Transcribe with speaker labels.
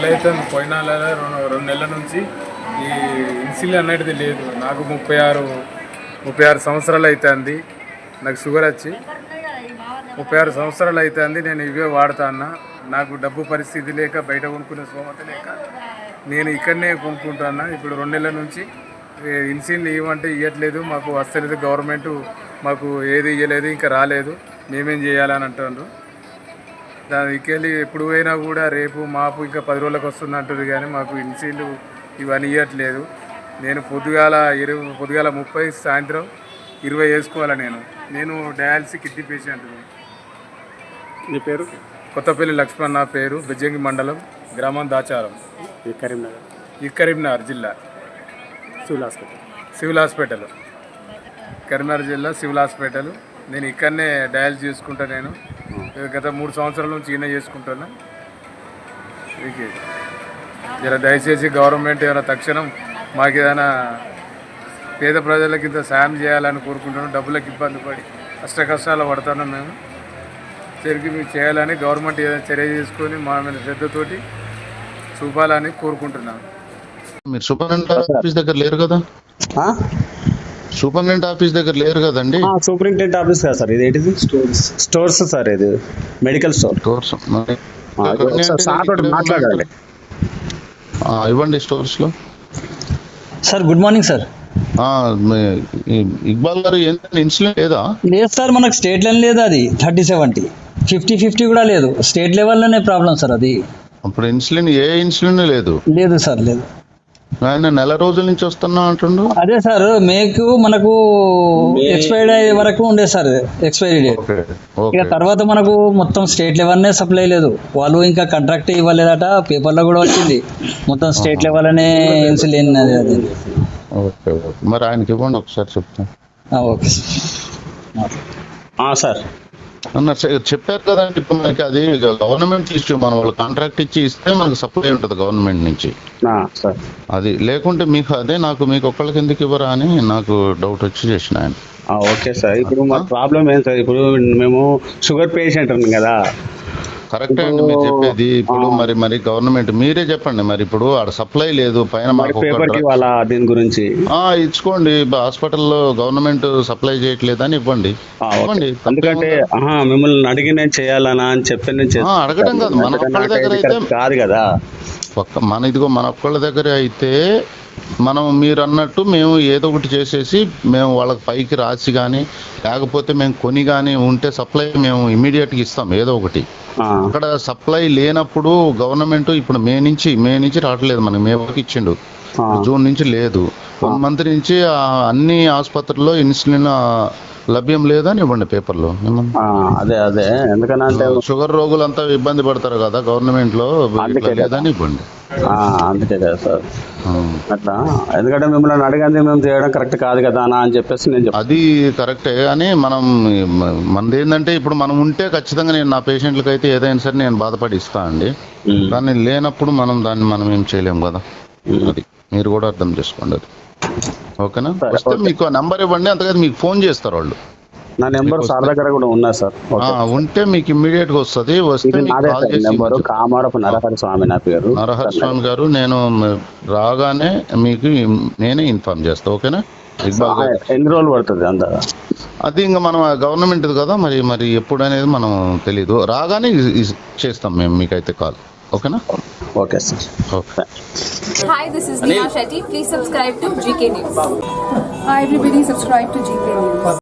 Speaker 1: నెల అవుతుంది. పోయిన నెల 2 నెలల నుంచి ఈ ఇన్సులిన్ అనేది లేదు. నాకు 36 సంవత్సరాలు అవుతుంది. నాకు షుగర్ వచ్చి 36 సంవత్సరాలు అవుతుంది. నేను ఇవే వాడుతాను. నాకు డబ్బు పరిస్థితి లేక బయట కొనుక్కునే స్తోమత లేక నేను ఇక్కడనే కొనుక్కుంటున్నా. ఇప్పుడు 2 నెలల నుంచి ఇన్సులిన్ ఇవ్వమంటే ఇవ్వట్లేదు. మాకు వస్తలేదు. గవర్నమెంట్ మాకు ఏది ఇవ్వలేదు, ఇంకా రాలేదు. మేమేం చేయాలని అంటున్నారు. దానికి వెళ్ళి ఎప్పుడు పోయినా కూడా రేపు మాపు ఇంకా 10 రోజులకు వస్తుంది అంటుంది, కానీ మాకు ఇన్సులిన్ ఇవన్నీ ఇవ్వట్లేదు. నేను పొద్దుగాల 30, సాయంత్రం 20 వేసుకోవాలి. నేను డయాలసిస్ కిడ్నీ పేషెంట్.
Speaker 2: మీ పేరు?
Speaker 1: కొత్తపల్లి లక్ష్మణ్ నా పేరు. బెజ్జంగి మండలం, గ్రామం దాచారం, కరీంనగర్ జిల్లా. సివిల్ హాస్పిటల్ కరీంనగర్ జిల్లా సివిల్ హాస్పిటల్. నేను ఇక్కడనే డయాలసిస్ చేసుకుంటా. నేను గత 3 సంవత్సరాల నుంచి ఈయన చేసుకుంటున్నా. ఇలా దయచేసి గవర్నమెంట్ ఏమైనా తక్షణం మాకు ఏదైనా పేద ప్రజలకి ఇంత సాయం చేయాలని కోరుకుంటున్నాం. డబ్బులకు ఇబ్బంది పడి కష్టాలు పడుతున్నాం. మేము తిరిగి మీకు చేయాలని గవర్నమెంట్ ఏదైనా చర్య చేసుకొని మా మీద శ్రద్ధతోటి చూపాలని కోరుకుంటున్నాం.
Speaker 3: మీరు సూపరింటెండెంట్ ఆఫీస్ దగ్గర లేరు కదా? సూపరింటెండెంట్ ఆఫీస్ దగ్గర లేరు కదండి?
Speaker 2: సూపరింటెండెంట్ ఆఫీస్ కదా సార్. ఇది ఏంటిది? Stores sir. ఇది మెడికల్ స్టోర్స్. మాట్లాడాలి.
Speaker 3: ఇవ్వండి స్టోర్స్ లో.
Speaker 4: Sir good morning sir.
Speaker 3: Iqbal garu ఏంటంటే ఇన్సులిన్ లేదా?
Speaker 4: లేదు సార్, మనకు స్టేట్ లెవెల్ లేదు. అది 30-70 50-50 కూడా లేదు. స్టేట్ లెవెల్లోనే ప్రాబ్లం సార్ అది.
Speaker 3: అప్పుడు ఇన్సులిన్ ఇన్సులిన్ లేదు
Speaker 4: సార్, లేదు.
Speaker 3: ఆయన నెల రోజుల నుంచి వస్తున్నా అంటుండు.
Speaker 4: అదే సార్, మనకు ఎక్స్పైర్డ్ అయ్యే వరకు ఉండే సార్ ఎక్స్పైరీ డేట్. ఇక తర్వాత మనకు మొత్తం స్టేట్ లెవెల్నే సప్లై లేదు. వాళ్ళు ఇంకా కాంట్రాక్ట్ ఇవ్వలేదట. పేపర్లో కూడా వచ్చింది మొత్తం స్టేట్ లెవెల్ అనే ఇన్సులిన్ అది.
Speaker 3: ఓకే, మరి ఆయనకి ఇవ్వండి ఒకసారి చెప్తాను.
Speaker 4: Okay
Speaker 2: sir.
Speaker 3: చెప్పారు కదండి. ఇప్పుడు మనకి అది గవర్నమెంట్ ఇష్యూ. మన వాళ్ళు కాంట్రాక్ట్ ఇస్తే మనకు సప్లై ఉంటుంది గవర్నమెంట్ నుంచి. అది లేకుంటే మీకు మీకు ఒక్కళ్ళకి ఎందుకు ఇవ్వరా అని నాకు డౌట్ వచ్చి చేసిన ఆయన.
Speaker 2: Okay sir. ఇప్పుడు మా ప్రాబ్లం ఏం సార్, ఇప్పుడు మేము షుగర్ పేషెంట్ ఉన్నాం కదా.
Speaker 3: కరెక్టే అండి మీరు చెప్పేది. ఇప్పుడు మరి గవర్నమెంట్ మీరే చెప్పండి. మరి ఇప్పుడు ఆడ సప్లై లేదు పైన
Speaker 2: దీని గురించి
Speaker 3: ఇచ్చుకోండి. హాస్పిటల్లో గవర్నమెంట్ సప్లై చేయట్లేదని ఇవ్వండి.
Speaker 2: ఎందుకంటే మిమ్మల్ని అడిగి నేను చేయాలనా అని చెప్పి నేను
Speaker 3: అడగడం కాదు. మన ఒక్కళ్ళ దగ్గర అయితే
Speaker 2: కాదు కదా.
Speaker 3: మన ఒక్కళ్ళ దగ్గర అయితే మీరు అన్నట్టు మేము ఏదో ఒకటి చేసేసి మేము వాళ్ళకి పైకి రాసి కానీ లేకపోతే మేము కొని కానీ ఉంటే సప్లై మేము ఇమీడియట్గా ఇస్తాం ఏదో ఒకటి. అక్కడ సప్లై లేనప్పుడు గవర్నమెంట్ ఇప్పుడు మే నుంచి రావట్లేదు. మనకి మే వరకు ఇచ్చిండు. జూన్ నుంచి లేదు. 1 మంత్ నుంచి అన్ని ఆసుపత్రుల్లో ఇన్సులిన్ లభ్యం లేదని ఇవ్వండి పేపర్లో.
Speaker 2: అదే ఎందుకంటే
Speaker 3: షుగర్ రోగులంతా ఇబ్బంది పడతారు కదా గవర్నమెంట్ లో, లేదని ఇవ్వండి.
Speaker 2: అందుకే కదా సార్ అట్లా. ఎందుకంటే మిమ్మల్ని అడిగింది మేము చేయడం కరెక్ట్ కాదు కదా అని చెప్పేసి నేను
Speaker 3: అది కరెక్టే. కానీ మనది ఏంటంటే ఇప్పుడు మనం ఉంటే ఖచ్చితంగా నేను నా పేషెంట్లకి అయితే ఏదైనా సరే నేను బాధపడి ఇస్తా అండి. కానీ లేనప్పుడు దాన్ని ఏం చేయలేము కదా. అది మీరు కూడా అర్థం చేసుకోండి. అది ఓకేనా? వస్తే మీకు నంబర్ ఇవ్వండి. అంతగా మీకు ఫోన్ చేస్తారు వాళ్ళు.
Speaker 2: నా నెంబర్ సార్ దగ్గర కూడా ఉన్నా సార్.
Speaker 3: ఉంటే మీకు ఇమ్మీడియట్ గా వస్తుంది. వస్తే
Speaker 2: కామారపు నరహరి స్వామి నా పేరు.
Speaker 3: నరహరి స్వామి గారు. నేను రాగానే మీకు నేనే ఇన్ఫార్మ్ చేస్తా. ఓకేనా?
Speaker 2: ఎన్ని రోజులు పడుతుంది అంతా?
Speaker 3: అది ఇంకా మనం గవర్నమెంట్ కదా. మరి ఎప్పుడు అనేది మనం తెలీదు. రాగానే చేస్తాం మేము మీకైతే కాల్. ఓకేనా?
Speaker 2: Okay sir.
Speaker 3: Okay.
Speaker 5: Hi, this is Neha Shetty. Please subscribe to GK News.
Speaker 6: Hi everybody, subscribe to GK News.